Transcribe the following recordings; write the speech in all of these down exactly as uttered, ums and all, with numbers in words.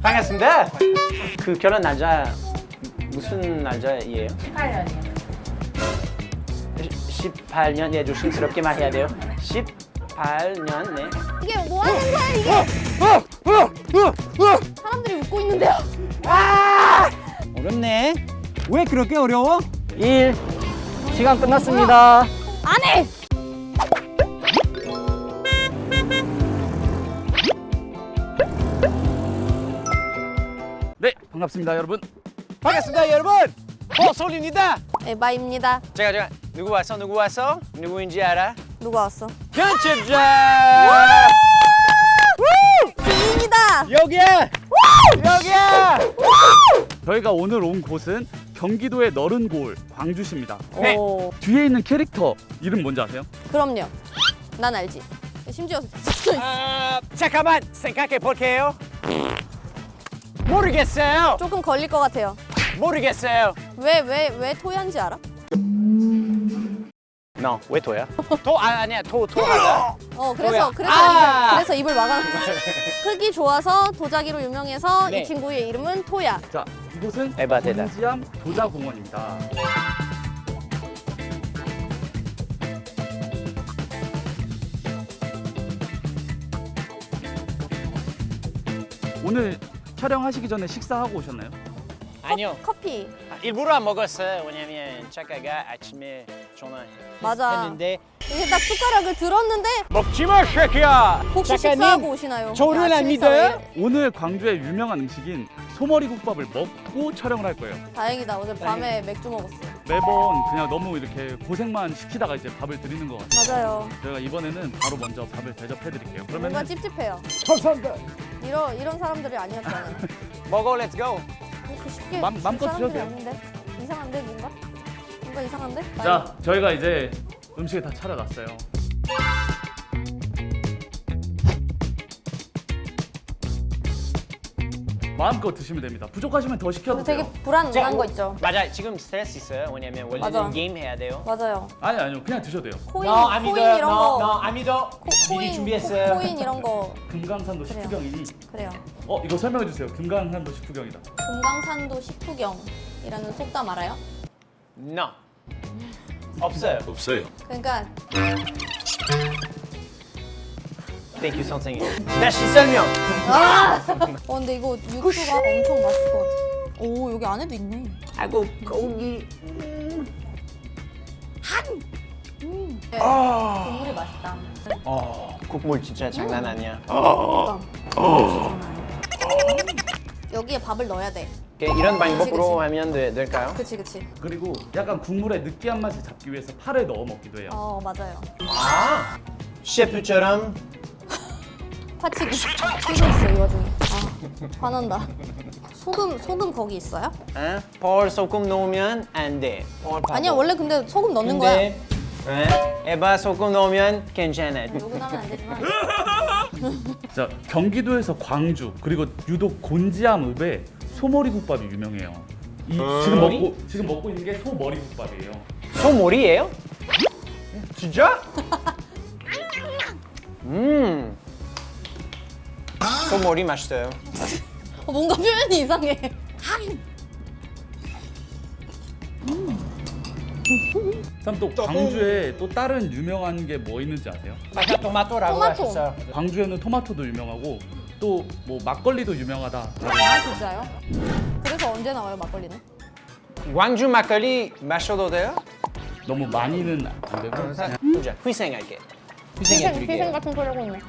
반갑습니다. 그 결혼 날짜 무슨 날짜예요? 십팔 년이요. 십팔 년, 예, 조심스럽게 말해야 돼요. 십팔 년, 네. 이게 뭐 하는 거야 이게? 사람들이 웃고 있는데요. 어렵네. 왜 그렇게 어려워? 일 시간 끝났습니다. 안 해. 네, 반갑습니다, 여러분. 반갑습니다, 여러분. 호솔입니다. 에바입니다. 제가 제가 누구 왔어? 누구 왔어? 누구인지 알아? 누가 왔어? 편집자. 지인이다. 여기야. 여기야. 저희가 오늘 온 곳은 경기도의 너른 고을 광주시입니다. 네. 오, 뒤에 있는 캐릭터 이름 뭔지 아세요? 그럼요. 난 알지. 심지어 아, 잠깐만 생각해 볼게요. 모르겠어요. 조금 걸릴 것 같아요. 모르겠어요. 왜 왜 왜 토야인지 알아? No, 왜 토야? 토 아, 아니야 토 토하다. 어 그래서 토야. 그래서 아! 입을, 그래서 입을 막아놨어. 흙이 좋아서 도자기로 유명해서 네. 이 친구의 이름은 토야. 자, 이곳은 에바 대답. 곤지암 도자공원입니다. 오늘 촬영하시기 전에 식사하고 오셨나요? 아니요. 커피. 일부러 안 먹었어요. 왜냐면 작가가 아침에 맞아. 전화했는데 이게 딱 숟가락을 들었는데 먹지 마, 새끼야. 혹시 식사하고 오시나요? 저를 안 아침 믿어요? 식사 왜 오늘 광주의 유명한 음식인 소머리국밥을 먹고 촬영을 할 거예요. 이래? 다행이다. 어제 밤에 맥주 먹었어요. 매번 그냥 너무 이렇게 고생만 시키다가 이제 밥을 드리는 것 같아요. 맞아요. 저희가 이번에는 바로 먼저 밥을 대접해 드릴게요. 뭔가 그러면 찝찝해요. 감사합니다. 이런 이런 사람들이 아니었잖아요. 먹어, 렛츠 고. 그렇게 쉽게 맘- 줄 맘껏 사람들이 드셔도 돼요. 아닌데? 이상한데 뭔가? 뭔가 이상한데? 자, 저희가 이제 음식을 다 차려놨어요. 마음껏 드시면 됩니다. 부족하시면 더 시켜도 되게 돼요. 불안한 거 있죠. 맞아, 지금 스트레스 있어요. 왜냐면 원래는 맞아. 게임 해야 돼요. 맞아요. 아니 아니요, 그냥 드셔도 돼요. 코인, 너 안 코인 믿어요. 이런 너, 거. 너 안 믿어. 코, 미리 코인, 준비했어요. 코, 코인 이런 거 금강산도 그래요. 식후경이니. 그래요. 어, 이거 설명해 주세요. 금강산도 식후경이다. 금강산도 식후경이라는 속담 알아요? No. 없어요. 없어요. 그러니까 Thank you, 선생님. 다시 설명. 어 근데 이거 육수가 엄청 맛있을 것 같아. 오 여기 안에도 있네. 아이고 고기. 네, 국물이 맛있다. 어, 국물 진짜 장난 아니야. 그러니까. 여기에 밥을 넣어야 돼. 이렇게 이런 방법으로 그치, 그치. 하면 돼- 될까요? 그치 그치. 그리고 약간 국물의 느끼한 맛을 잡기 위해서 파를 넣어 먹기도 해요. 어 맞아요. 아, 셰프처럼. 파치기 튀고 있어 이 와중에. 아 화난다. 소금 소금 거기 있어요? 어? 펄 소금 넣으면 안 돼. 펄 바보. 아니야 원래 근데 소금 넣는 거야. 근데 어? 에바 소금 넣으면 괜찮아. 욕은 하면 안 되지만. 자, 경기도에서 광주 그리고 유독 곤지암읍에 소머리국밥이 유명해요. 이 지금 소머리? 먹고 지금 먹고 있는 게 소머리국밥이에요. 소머리예요? 진짜? 음. 소머리 맛있어요. 어, 뭔가 표현이 이상해. 참 또 광주에 또 다른 유명한 게 뭐 있는지 아세요? 아까 토마토라고 토마토. 하셨어요. 광주에는 토마토도 유명하고 또 뭐 막걸리도 유명하다. 아 진짜요? 그래서 언제 나와요 막걸리는? 광주 막걸리 마셔도 돼요? 너무 많이는 안 되고 그냥 보자. 희생할게. 희생해 희생, 희생 드릴게요. 같은 소리 하고 있네.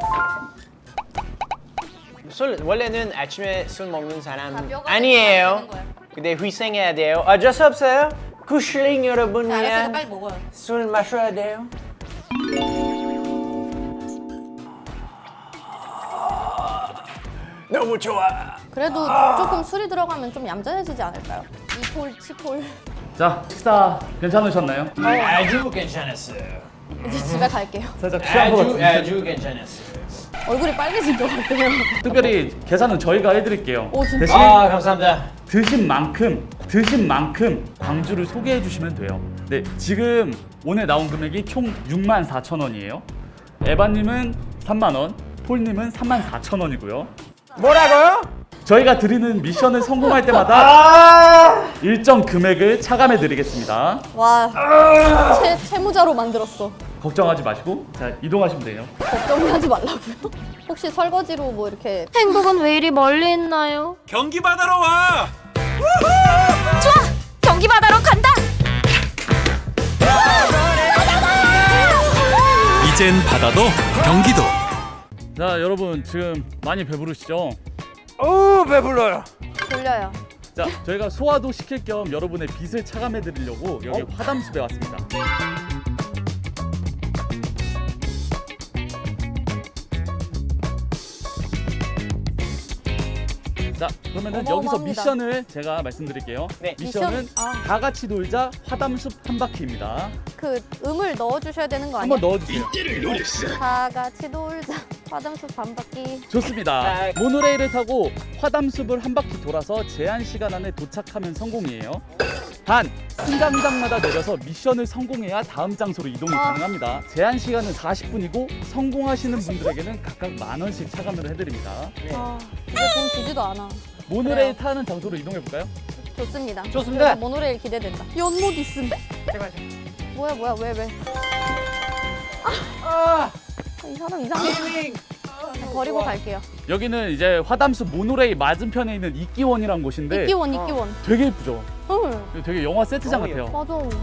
술 원래는 아침에 술 먹는 다 사람 뼈가 아니에요. 되는 거야. 근데 희생해야 돼요. 어쩔 수 없어요. 구슐링 여러분 자, 알았으니까 위한 빨리 먹어요. 술 마셔야 돼요. 너무 좋아. 그래도 조금 술이 들어가면 좀 얌전해지지 않을까요? 이폴, 치폴. 자, 식사 괜찮으셨나요? 아주 괜찮았어요. 이제 집에 갈게요. 살짝 취한 것 아주 같은데. 아주 괜찮았어요. 얼굴이 빨개진 것 같아요. 특별히 계산은 저희가 해드릴게요. 오, 진짜? 대신 아 감사합니다. 드신 만큼 드신 만큼 광주를 소개해 주시면 돼요. 네, 지금 오늘 나온 금액이 총 육만 사천 원이에요. 에바님은 삼만 원, 폴님은 삼만 사천 원이고요. 뭐라고요? 저희가 드리는 미션을 성공할 때마다 일정 금액을 차감해 드리겠습니다. 와, 채, 채무자로 만들었어. 걱정하지 마시고 자 이동하시면 돼요. 걱정하지 말라고요? 혹시 설거지로 뭐 이렇게 행복은 왜 이리 멀리 있나요? 경기 바다로 와. 좋아! 경기 바다로 간다! 이젠 바다도 경기도. 자 여러분 지금 많이 배부르시죠? 오, 배불러요. 졸려요. 자 저희가 소화도 시킬 겸 여러분의 빚을 차감해 드리려고 여기 화담숲에 왔습니다. 자 그러면은 여기서 어마어마합니다. 미션을 제가 말씀드릴게요. 네. 미션은 미션? 아. 다 같이 놀자 화담숲 한 바퀴입니다. 그 음을 넣어주셔야 되는 거 아니야? 한번 넣어주세요. 다 같이 놀자. 화담숲 반바퀴. 좋습니다. 아. 모노레일을 타고 화담숲을 한 바퀴 돌아서 제한 시간 안에 도착하면 성공이에요. 단 승강장마다 내려서 미션을 성공해야 다음 장소로 이동이 아. 가능합니다. 제한 시간은 사십 분이고 성공하시는 분들에게는 각각 만 원씩 차감을 해드립니다. 아, 이제 돈 주지도 않아. 모노레일 그래요. 타는 장소로 이동해 볼까요? 좋습니다. 좋습니다. 그래서 모노레일 기대된다. 연못 있음. 제발. 뭐야 뭐야 왜 왜? 아, 이 사람 이상해. 힐링. 버리고 갈게요. 여기는 이제 화담숲 모노레일 맞은편에 있는 이끼원이라는 곳인데 이끼원 이끼원. 되게 예쁘죠? 응. 되게 영화 세트장 너무 같아요. 맞아.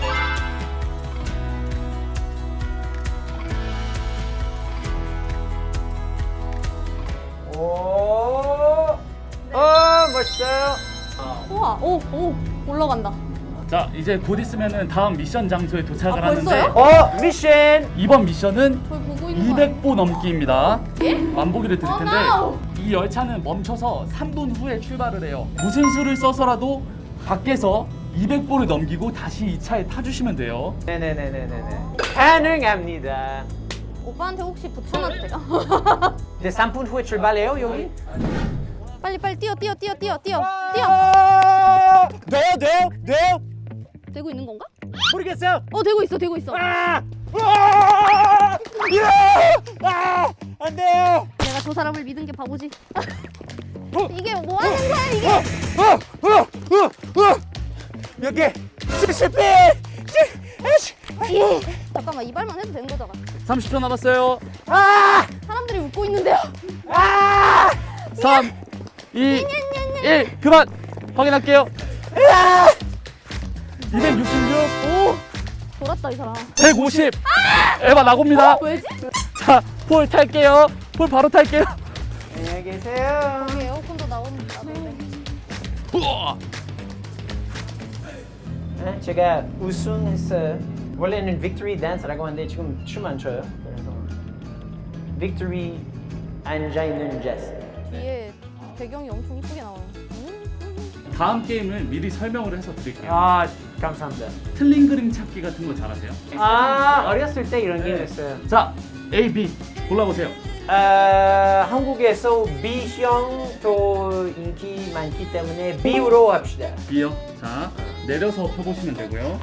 오, 오, 멋있어요. 우와 오오 올라간다. 자 이제 곧 있으면은 다음 미션 장소에 도착을 아, 하는데 벌써요? 어, 미션. 이번 미션은 저희 보고 있는 거 이백 보 넘기입니다. 예? 만보기를 드릴 어, 텐데 no! 이 열차는 멈춰서 삼 분 후에 출발을 해요. 무슨 수를 써서라도 밖에서 이백 보를 넘기고 다시 이 차에 타주시면 돼요. 네네네네네. 가능합니다. 오빠한테 혹시 붙여놨대요? 이제 삼 분 후에 출발해요, 여기? 빨리 빨리 뛰어 뛰어 뛰어 뛰어 뛰어 뛰어. 아, 돼요, 돼요, 돼요. 되고 있는 건가? 모르겠어요. 어 되고 있어 되고 있어. 아, 아, 예! 아, 안 돼요. 내가 저 사람을 믿은 게 바보지. 이게 뭐 하는 거야 이게? 어, 어, 어, 어. 몇 개? 실패. 예. 잠깐만 이발만 해도 되는 거잖아. 삼십 초 남았어요. 아, 사람들이 웃고 있는데요. 아, 삼, 이, 일 그만 확인할게요. 이백육십육, 오 돌았다 이 사람. 백오십. 에바 나옵니다. 왜지? 자, 폴 탈게요. 폴 바로 탈게요. 안녕히 계세요. 여기 에어컨도 나옵니다. 네, 제가 우승했어요. 원래는 빅토리 댄스라고 하는데 지금 춤 안 춰요. 그래서 빅토리 앉아 있는 제스. 뒤에 배경이 엄청 이쁘게 나와요. 음? 다음 게임을 미리 설명을 해서 드릴게요. 아, 감사합니다. 틀린 그림 찾기 같은 거 잘하세요? 아, 어렸을 때 이런 게임 했어요. 자, A, B 골라보세요. 아, 한국에서 B형도 인기 많기 때문에 B로 합시다. B요. 자, 내려서 펴보시면 되고요.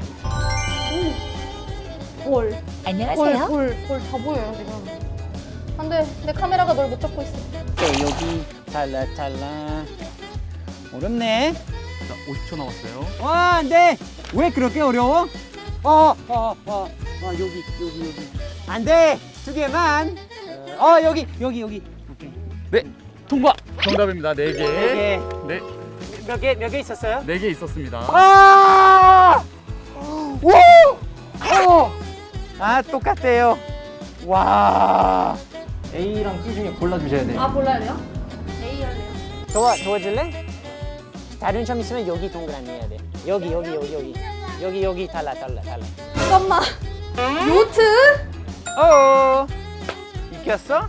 볼. 안녕하세요. 볼볼볼다 보여요 지금. 안돼 내 카메라가 널 못 잡고 있어. 또 여기 달라 달라. 어렵네. 자, 오십 초 남았어요. 와, 안 돼. 왜 그렇게 어려워? 어, 어, 어, 어, 여기, 여기, 여기. 안 돼. 두 개만. 어, 여기, 여기, 여기. 오케이. 네, 통과. 정답입니다. 네 개. 네 네, 개. 몇 개, 몇 개 있었어요? 네 개 있었습니다. 아! 오! 어! 아, 똑같대요. 와. A랑 B 중에 골라주셔야 돼요. 아 골라야 돼요? A 할래요. 도와, 도와줄래? 다른 점 있으면 여기 동그라미 해야 돼. 여기, 여기, 여기, 여기. 여기, 여기, 달라, 달라, 달라. 잠깐만. 요트? 어 이겼어?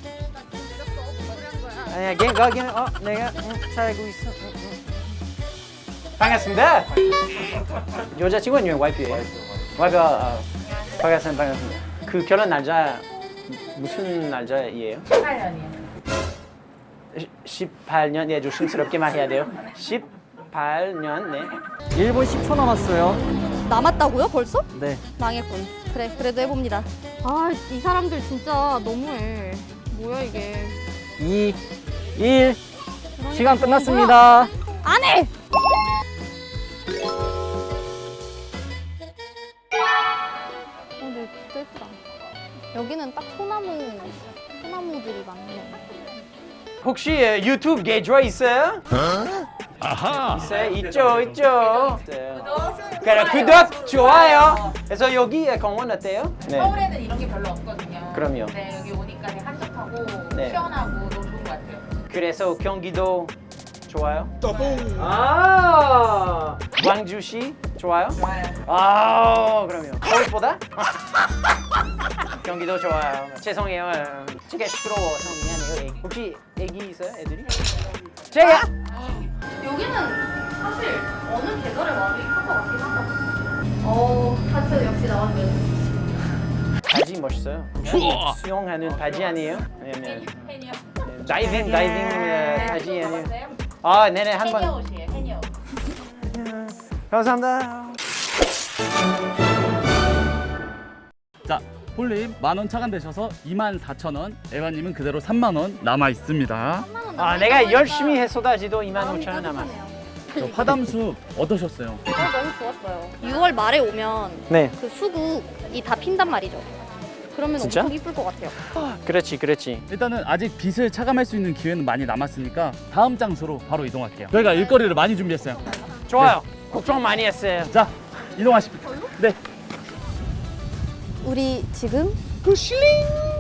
아니야, 걔 거기는 어 내가 응, 살고 있어. 응, 응. 반갑습니다. 여자친구는 와이프예요. 와이프가 어, 반갑습니다, 반갑습니다. 그 결혼 날짜 무슨 날짜예요? 십팔 년이요. 십팔 년. 예, 조심스럽게 말해야 돼요. 십팔 년, 네. 일 분 십 초 남았어요. 남았다고요 벌써? 네. 망했군. 그래 그래도 해봅니다. 아 이 사람들 진짜 너무해. 뭐야 이게. 이, 일. 시간 끝났습니다. 안 해! 어, 근데 진짜 예쁘다. 여기는 딱 소나무, 소나무들이 많네. 혹시 예, 유튜브 계좌 있어요? 아하. 있어요? 있죠, 있죠. 그래, 구독, 좋아요. 그래서 여기 공원 어때요? 네. 서울에는 이런 게 별로 없거든요. 그럼요. 네, 여기 오니까 되게 한적하고 네. 시원하고 너무 좋은 것 같아요. 그래서 경기도 좋아요? 아, 광주시 좋아요? 좋아요. 아, 그럼요. 서울보다? 경기도 좋아요. 죄송해요. 제가 시끄러워서 미안해요. 애기. 혹시 애기 있어요, 애들이? 제가 여기는 사실 어느 계절에 와도 이쁠 것 같긴 하다. 어, 하트 역시 나왔네. 바지 멋있어요. 우와. 수영하는 바지 아니에요? 아니면 해니어. 다이빙 다이빙 어, 바지 아니에요? 먹었어요? 아, 네네 한 해니어 번. 옷이에요. 해니어. 감사합니다. 자, 폴님 만 원 차감되셔서 이만 사천 원, 에바님은 그대로 삼만 원 남아 있습니다. 아, 내가 열심히 했어다지도 이만 오천 원 남았어. 저 화담숲 어떠셨어요? 어, 너무 좋았어요. 유월 말에 오면 네, 그 수국이 다 핀단 말이죠. 그러면 진짜? 엄청 이쁠 것 같아요. 그렇지, 그렇지. 일단은 아직 빛을 차감할 수 있는 기회는 많이 남았으니까 다음 장소로 바로 이동할게요. 저희가 일거리를 많이 준비했어요. 좋아요. 걱정 많이 했어요. 자, 이동하십시오. 네. 우리 지금 그 실링.